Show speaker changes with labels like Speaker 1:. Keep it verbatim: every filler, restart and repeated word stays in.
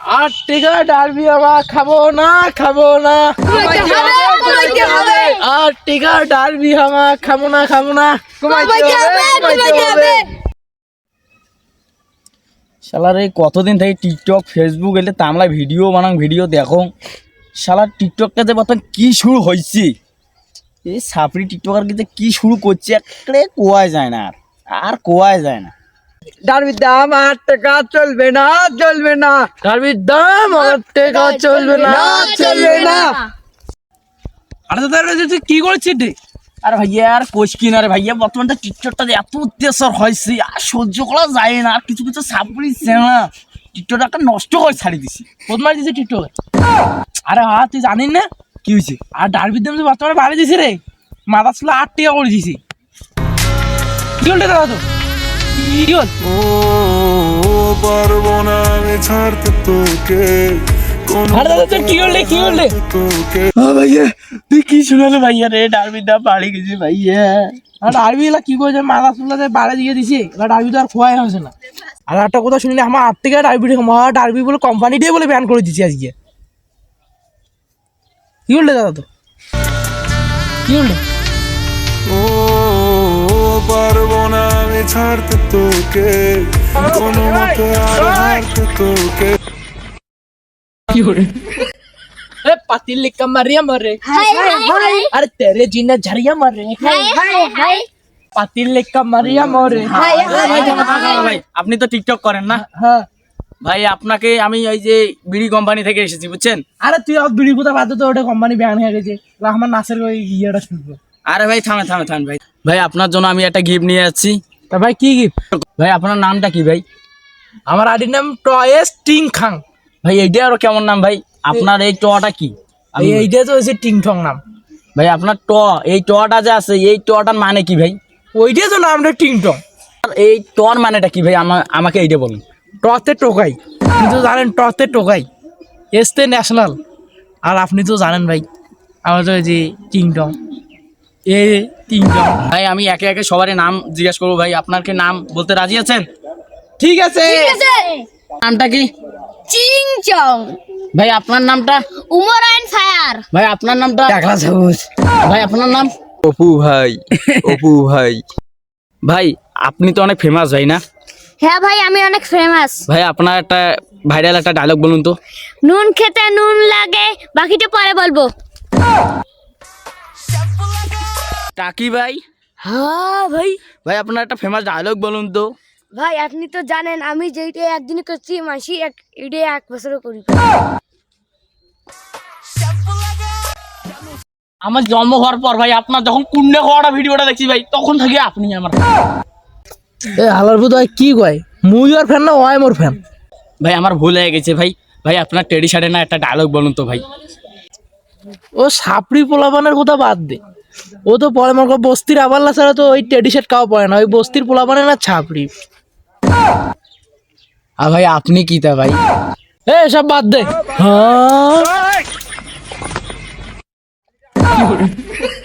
Speaker 1: আট টাকা ডারবি আমার খাবো না খাবো না আট টাকা ডারবি আমার খাবো না খাবো না
Speaker 2: শালার এই কতদিন থেকে টিকটক ফেসবুক এলে তামলা ভিডিও বানাং ভিডিও দেখো শালার টিকটকটা যে বর্তমান কি শুরু হয়েছে এই সাপড়ি টিকটকার কিন্তু কি শুরু করছে একটা কোয়াই যায় না আর আর কোয়াই যায় না।
Speaker 1: ডারবির দাম আট টাকা চলবে না চলবে না ডারবির দাম আট টাকা চলবে না চলবে না। আরে দাদা তুই কি করছিস রে?
Speaker 2: আর ভাইয়া আর কোচ কিনা রে ভাইয়া বর্তমানটা টিকটকটা যে এত অত্যাচার হয়েছে আর সহ্য করা যায় না আর কিছু কিছু সাপড়ি না টিকটকটা একটা নষ্ট করে ছাড়ি দিছি
Speaker 1: বদমার দিছে টিকটকে।
Speaker 2: আরে হ্যাঁ তুই জানিস না
Speaker 1: কি হয়েছে? আর ডারবির দাম বর্তমানে বাড়ি দিছে রে, মাথা ছিল আট টাকা করে দিছি। কি হল দাদা তো কি হল?
Speaker 3: ও পারবো না আমি ছাড়তে তোকে
Speaker 1: আরে দাদা তোর কি হল রে কি হল রে?
Speaker 3: তোকে
Speaker 2: ভাইয়া তুই কি শুনালো ভাইয়া রে ডারবির দাম বাড়ি গেছে ভাইয়া।
Speaker 1: আর ডারবি এলা কি করেছে মাথা চুলাতে বাড়ি দিয়ে দিছে, এবার ডারবি তো আর খোয়াই হয়েছে না। আর একটা কথা শুনলি আমার আট টাকা ডারবি ডারবি বলে কোম্পানি দিয়ে বলে ব্যান করে দিচ্ছে আজকে। কি হল দাদা তো কি হল?
Speaker 3: ও পারবো না আমি ছাড়তে তোকে কোনো মতে আর হারতে তোকে।
Speaker 1: কি হল? ए पातिल लिखा मरिया मरे
Speaker 4: हाय हाय
Speaker 1: अरे तेरे जीना झरिया मरे
Speaker 4: हाय हाय हाय
Speaker 1: पातिल लिखा मरिया मरे।
Speaker 4: हाय
Speaker 2: ভাই আপনি তো টিকটক করেন না
Speaker 1: হ্যাঁ
Speaker 2: ভাই আপনাকে আমি ওই যে বিড়ি কোম্পানি থেকে এসেছি বুঝছেন।
Speaker 1: আরে তুই আর বিড়ি কোথা বাদ তো ওটা কোম্পানি ব্যান হয়ে গেছে, আমার নাচের ওই ইয়েটা শুনবো।
Speaker 2: আরে ভাই থামে থামে থামেন ভাই ভাই আপনার জন্য আমি একটা গিফট নিয়ে যাচ্ছি।
Speaker 1: তা ভাই কি গিফট?
Speaker 2: ভাই আপনার নামটা কি ভাই?
Speaker 1: আমার আইডির নাম টয়েস টিং খাং।
Speaker 2: ভাই এইটা আরো কেমন নাম ভাই? আপনার এই টটা কি?
Speaker 1: এই এইটা তো হচ্ছে টিং ঠং নাম।
Speaker 2: ভাই আপনার ট এই টটা যে আছে এই টটার মানে কি ভাই?
Speaker 1: ওইটা তো নামটা টিং টং।
Speaker 2: আর এই টর মানেটা কি ভাই আমা আমাকে এইটা বলুন।
Speaker 1: টতে টোকাই, আপনি তো জানেন টতে টোকাই, এসতে ন্যাশনাল। আর আপনি তো জানেন ভাই আমার তো এই যে টিং টং এ টিং টং।
Speaker 2: ভাই আমি একে একে সবারই নাম জিজ্ঞেস করবো ভাই আপনার কি নাম বলতে রাজি আছেন?
Speaker 1: ঠিক আছে
Speaker 4: ঠিক আছে
Speaker 2: নামটা কি?
Speaker 4: চিং চং
Speaker 2: ভাই আপনার নামটা?
Speaker 4: উমর আইন ফায়ার
Speaker 2: ভাই আপনার নামটা?
Speaker 1: টাকলা সবুজ।
Speaker 2: ভাই আপনার নাম?
Speaker 5: অপু ভাই অপু ভাই
Speaker 2: ভাই আপনি তো অনেক ফেমাস ভাই না?
Speaker 4: হ্যাঁ ভাই আমি অনেক ফেমাস।
Speaker 2: ভাই আপনার একটা ভাইরাল একটা ডায়লগ বলুন তো।
Speaker 4: নুন খেতে নুন লাগে বাকিটা পরে বলবো।
Speaker 2: টাকি ভাই?
Speaker 4: হ্যাঁ ভাই।
Speaker 2: ভাই আপনার একটা ফেমাস ডায়লগ বলুন তো।
Speaker 4: ভাই আপনি তো জানেন আমি যেইটা একদিন করছি মাসি এক ইডে এক বছরও করি।
Speaker 2: আমার জন্ম হওয়ার পর ভাই আপনার যখন কুন্ডে হওয়াটা ভিডিওটা দেখছি ভাই তখন থেকে আপনি আমার।
Speaker 1: এ হালার ভূত ভাই কি কয়, মুই ওর ফ্যান না ওয়াই মোর ফ্যান?
Speaker 2: ভাই আমার ভুল হয়ে গেছে ভাই। ভাই আপনার টেডি শার্টে না একটা ডায়লগ বলুন তো ভাই।
Speaker 1: ও সাপড়ি পোলাপানের কথা বাদ দে, ও তো পরে মনে কর বস্তির আবাল্লা ছাড়া তো ওই টেডি শার্ট কাও পরে না, ওই বস্তির পোলাপানের না ছাপড়ি।
Speaker 2: আর ভাই আপনি কি তা ভাই?
Speaker 1: এ সব বাদ দে। হ্যাঁ